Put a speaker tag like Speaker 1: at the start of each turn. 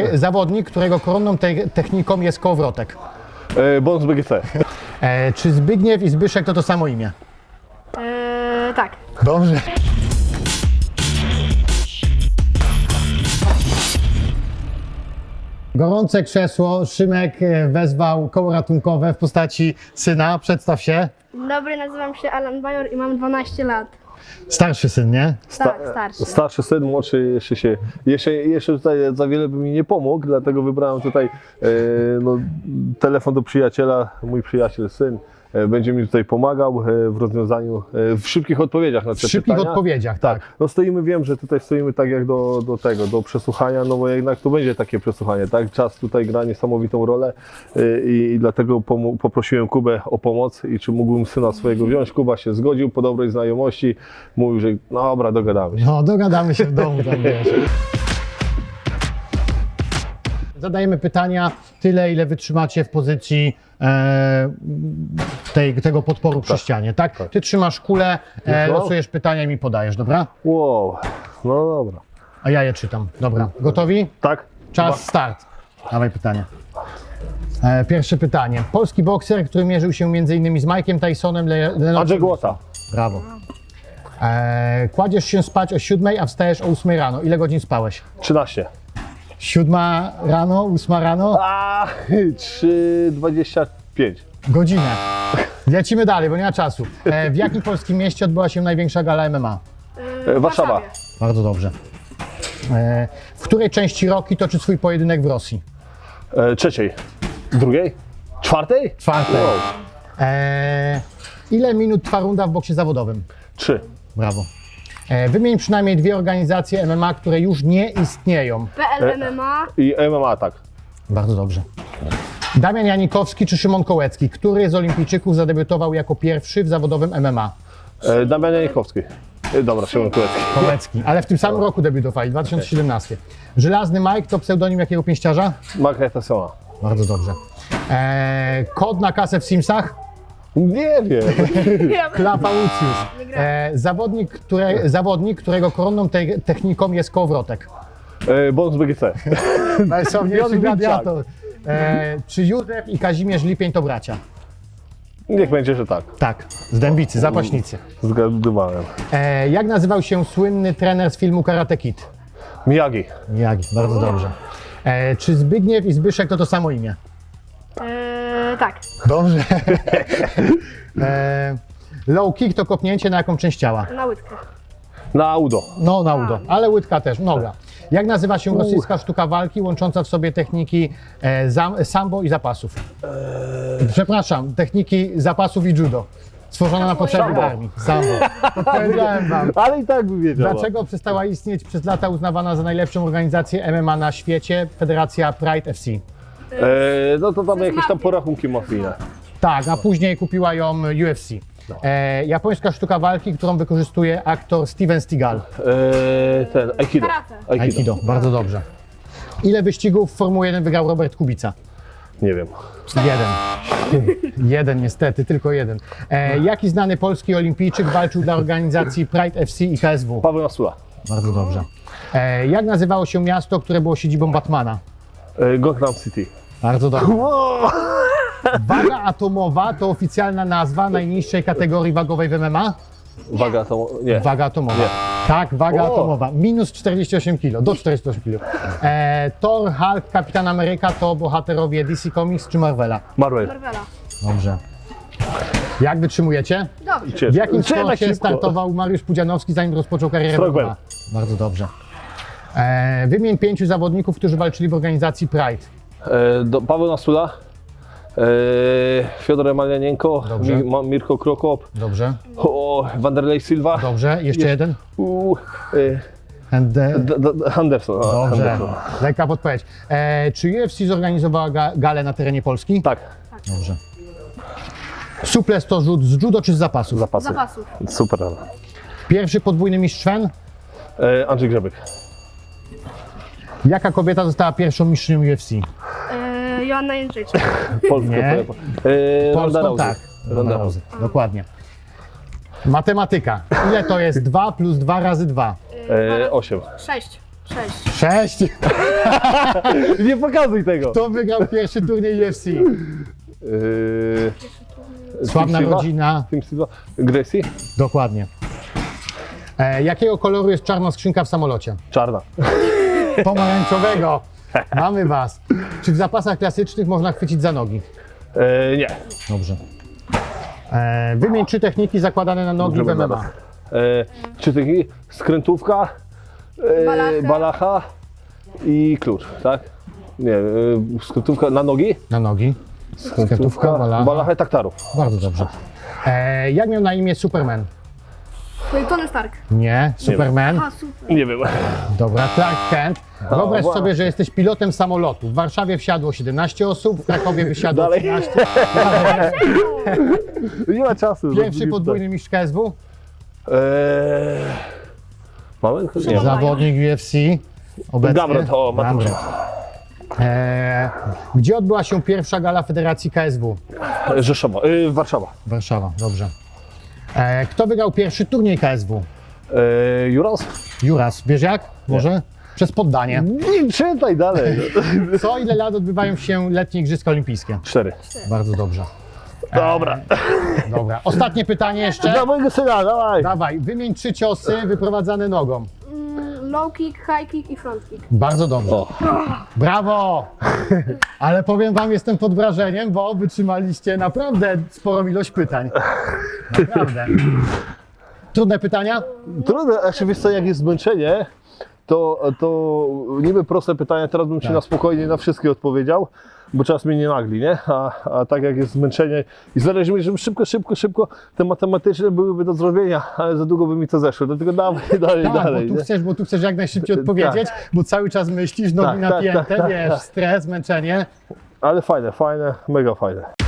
Speaker 1: zawodnik, którego koronną techniką jest kołowrotek?
Speaker 2: Bonus BGC.
Speaker 1: Czy Zbigniew i Zbyszek to samo imię?
Speaker 3: Tak.
Speaker 1: Dobrze. Gorące krzesło. Szymek wezwał koło ratunkowe w postaci syna. Przedstaw się.
Speaker 3: Dzień dobry, nazywam się Alan Bajor i mam 12 lat.
Speaker 1: Starszy syn, nie?
Speaker 3: Tak, starszy.
Speaker 2: Starszy syn, młodszy jeszcze tutaj za wiele by mi nie pomógł, dlatego wybrałem tutaj telefon do przyjaciela, mój przyjaciel, syn. Będzie mi tutaj pomagał w rozwiązaniu, w szybkich odpowiedziach na te
Speaker 1: W szybkich
Speaker 2: pytania.
Speaker 1: odpowiedziach, tak.
Speaker 2: No stoimy, wiem, że tutaj stoimy tak jak do przesłuchania, no bo jednak to będzie takie przesłuchanie, tak? Czas tutaj gra niesamowitą rolę i dlatego poprosiłem Kubę o pomoc i czy mógłbym syna swojego wziąć. Kuba się zgodził po dobrej znajomości, mówił, że no dobra, dogadamy się.
Speaker 1: No, dogadamy się w domu, tam wiesz. Zadajemy pytania tyle, ile wytrzymacie w pozycji tego podporu przy ścianie, tak? Ty trzymasz kulę, losujesz pytania i mi podajesz, dobra?
Speaker 2: Wow, no dobra.
Speaker 1: A ja je czytam. Dobra, gotowi?
Speaker 2: Tak?
Speaker 1: Czas, start. Dawaj pytanie. Pierwsze pytanie. Polski bokser, który mierzył się m.in. z Mike'iem Tysonem,
Speaker 2: Andrzej Głota.
Speaker 1: Brawo. Kładziesz się spać o 7, a wstajesz o 8 rano. Ile godzin spałeś?
Speaker 2: 13.
Speaker 1: 7 rano, 8 rano?
Speaker 2: 3,25.
Speaker 1: Godzinę. Lecimy dalej, bo nie ma czasu. W jakim polskim mieście odbyła się największa gala MMA?
Speaker 2: Warszawa.
Speaker 1: Bardzo dobrze. W której części Rocky toczy swój pojedynek w Rosji?
Speaker 2: Trzeciej. Drugiej? Czwartej?
Speaker 1: Czwartej.
Speaker 2: Wow.
Speaker 1: Ile minut trwa runda w boksie zawodowym?
Speaker 2: 3.
Speaker 1: Brawo. Wymień przynajmniej 2 organizacje MMA, które już nie istnieją.
Speaker 3: PL MMA.
Speaker 2: I MMA, tak.
Speaker 1: Bardzo dobrze. Damian Janikowski czy Szymon Kołecki? Który z olimpijczyków zadebiutował jako pierwszy w zawodowym MMA?
Speaker 2: Damian Janikowski. Dobra, Szymon Kołecki.
Speaker 1: Kołecki, ale w tym samym roku debiutowali, 2017. Żelazny Mike to pseudonim jakiego pięściarza?
Speaker 2: Marka Tysona.
Speaker 1: Bardzo dobrze. Kod na kasę w Simsach?
Speaker 2: Nie wiem.
Speaker 1: Klapa Lucius. Zawodnik, którego koronną techniką jest kołowrotek.
Speaker 2: Bonus BGC.
Speaker 1: Najsławniejszy gladiator. Czy Józef i Kazimierz Lipień to bracia?
Speaker 2: Niech będzie, że tak.
Speaker 1: Tak, z Dębicy, zapaśnicy.
Speaker 2: Zgadywałem.
Speaker 1: Jak nazywał się słynny trener z filmu Karate Kid?
Speaker 2: Miyagi.
Speaker 1: Miyagi, bardzo dobrze. Czy Zbigniew i Zbyszek to samo imię?
Speaker 3: Tak.
Speaker 1: Dobrze. Low kick to kopnięcie na jaką część ciała?
Speaker 3: Na łydkę.
Speaker 2: Na udo.
Speaker 1: No, na udo, ale łydka też, noga. Jak nazywa się rosyjska sztuka walki łącząca w sobie techniki sambo i zapasów? Przepraszam, techniki zapasów i judo. Stworzona na potrzeby
Speaker 2: Sambo.
Speaker 1: armii. Sambo. Powiedziałem wam.
Speaker 2: Ale i tak by wiedziała.
Speaker 1: Dlaczego przestała istnieć przez lata uznawana za najlepszą organizację MMA na świecie Federacja Pride FC?
Speaker 2: No to tam jakieś tam porachunki mafijne.
Speaker 1: Tak, a później kupiła ją UFC. Japońska sztuka walki, którą wykorzystuje aktor Steven Seagal.
Speaker 2: Aikido.
Speaker 3: Karate.
Speaker 1: Aikido, bardzo dobrze. Ile wyścigów w Formuły 1 wygrał Robert Kubica?
Speaker 2: Nie wiem.
Speaker 1: 1 niestety, tylko 1. Jaki znany polski olimpijczyk walczył dla organizacji Pride FC i KSW?
Speaker 2: Paweł Nasula.
Speaker 1: Bardzo dobrze. Jak nazywało się miasto, które było siedzibą Batmana?
Speaker 2: Gotham City.
Speaker 1: Bardzo dobrze. Waga atomowa to oficjalna nazwa najniższej kategorii wagowej w MMA?
Speaker 2: Waga to... Nie.
Speaker 1: Waga atomowa.
Speaker 2: Nie.
Speaker 1: Tak, waga atomowa. Minus 48 kg, do 48 kg. Thor, Hulk, Kapitan Ameryka to bohaterowie DC Comics czy Marvela?
Speaker 2: Marvel.
Speaker 3: Marvela.
Speaker 1: Dobrze. Jak wytrzymujecie?
Speaker 3: Dobrze.
Speaker 1: W jakim
Speaker 2: Trzeba
Speaker 1: sporcie
Speaker 2: szybko.
Speaker 1: startował Mariusz Pudzianowski, zanim rozpoczął karierę w
Speaker 2: Strongman.
Speaker 1: MMA? Bardzo dobrze. Wymień 5 zawodników, którzy walczyli w organizacji Pride.
Speaker 2: Paweł Nasula. Fiodor Emelianenko.
Speaker 1: Dobrze.
Speaker 2: Mirko Krokop.
Speaker 1: Dobrze.
Speaker 2: Wanderlei Silva.
Speaker 1: Dobrze. Jeszcze jeden?
Speaker 2: Anderson.
Speaker 1: Dobrze.
Speaker 2: Anderson.
Speaker 1: Lekka podpowiedź. Czy UFC zorganizowała galę na terenie Polski?
Speaker 2: Tak.
Speaker 1: Dobrze. Suples to rzut z judo czy z zapasów?
Speaker 2: Zapasy.
Speaker 3: Zapasów.
Speaker 2: Super.
Speaker 1: Pierwszy podwójny mistrz Fen?
Speaker 2: Andrzej Grzebyk.
Speaker 1: Jaka kobieta została pierwszą mistrzynią UFC?
Speaker 3: Joanna Jędrzejczyk.
Speaker 2: Polska.
Speaker 1: Nie.
Speaker 2: Ronda Rousey.
Speaker 1: tak.
Speaker 2: Ronda Rousey.
Speaker 1: Dokładnie. Matematyka. Ile to jest 2 plus 2 razy 2?
Speaker 2: 8.
Speaker 3: 6. 6.
Speaker 1: 6.
Speaker 2: Nie pokazuj tego!
Speaker 1: Kto wygrał pierwszy turniej UFC? Sławna
Speaker 2: Team Silva?
Speaker 1: rodzina.
Speaker 2: Team Silva? Gracie?
Speaker 1: Dokładnie. Jakiego koloru jest czarna skrzynka w samolocie?
Speaker 2: Czarna.
Speaker 1: Pomarańczowego. Mamy was. Czy w zapasach klasycznych można chwycić za nogi?
Speaker 2: Nie.
Speaker 1: Dobrze. Wymień 3 techniki zakładane na nogi w
Speaker 2: Dobrze,
Speaker 1: MMA.
Speaker 2: Czy taki skrętówka, balacha i klucz, tak? Nie, skrętówka na nogi,
Speaker 1: Na nogi. Skrętówka,
Speaker 2: balacha i taktarów.
Speaker 1: Bardzo dobrze. Jak miał na imię Superman?
Speaker 3: Tony Stark.
Speaker 1: Nie, Superman.
Speaker 3: A, super.
Speaker 2: Nie wiem.
Speaker 1: Dobra, Clark Kent. Wyobraź
Speaker 2: wow.
Speaker 1: sobie, że jesteś pilotem samolotu. W Warszawie wsiadło 17 osób, w Krakowie wysiadło
Speaker 2: Dalej.
Speaker 1: 13.
Speaker 2: Nie ma czasu.
Speaker 1: Pierwszy podwójny mistrz KSW.
Speaker 2: Mamy? Nie.
Speaker 1: Zawodnik UFC. Obecny.
Speaker 2: Gamrot, o, Mateusz.
Speaker 1: Gamrot. Gdzie odbyła się pierwsza gala Federacji KSW?
Speaker 2: Rzeszowa, Warszawa.
Speaker 1: Warszawa, dobrze. Kto wygrał pierwszy turniej KSW?
Speaker 2: Juras?
Speaker 1: Juras, wiesz jak? Może? Przez poddanie.
Speaker 2: Nie czytaj dalej.
Speaker 1: Co ile lat odbywają się letnie Igrzyska Olimpijskie?
Speaker 2: 4.
Speaker 1: Bardzo dobrze.
Speaker 2: Dobra.
Speaker 1: Dobra. Ostatnie pytanie jeszcze.
Speaker 2: Dla mojego syna, dawaj.
Speaker 1: Dawaj, wymień 3 ciosy wyprowadzane nogą.
Speaker 3: Low kick, high kick i front kick.
Speaker 1: Bardzo dobrze.
Speaker 2: O.
Speaker 1: Brawo! Ale powiem wam, jestem pod wrażeniem, bo wytrzymaliście naprawdę sporą ilość pytań. Naprawdę. Trudne pytania?
Speaker 2: Trudne, a wiesz co, jak jest zmęczenie, to niby proste pytania, teraz bym ci
Speaker 1: Tak.
Speaker 2: na spokojnie na wszystkie odpowiedział, bo czas mnie nie nagli, nie? A tak jak jest zmęczenie i zależy mi, żeby szybko, te matematyczne byłyby do zrobienia, ale za długo by mi to zeszło, dlatego dawaj dalej,
Speaker 1: Tak,
Speaker 2: dalej.
Speaker 1: bo tu chcesz jak najszybciej odpowiedzieć, bo cały czas myślisz, nogi
Speaker 2: Tak,
Speaker 1: napięte,
Speaker 2: tak,
Speaker 1: wiesz,
Speaker 2: tak.
Speaker 1: stres, zmęczenie.
Speaker 2: Ale fajne, mega fajne.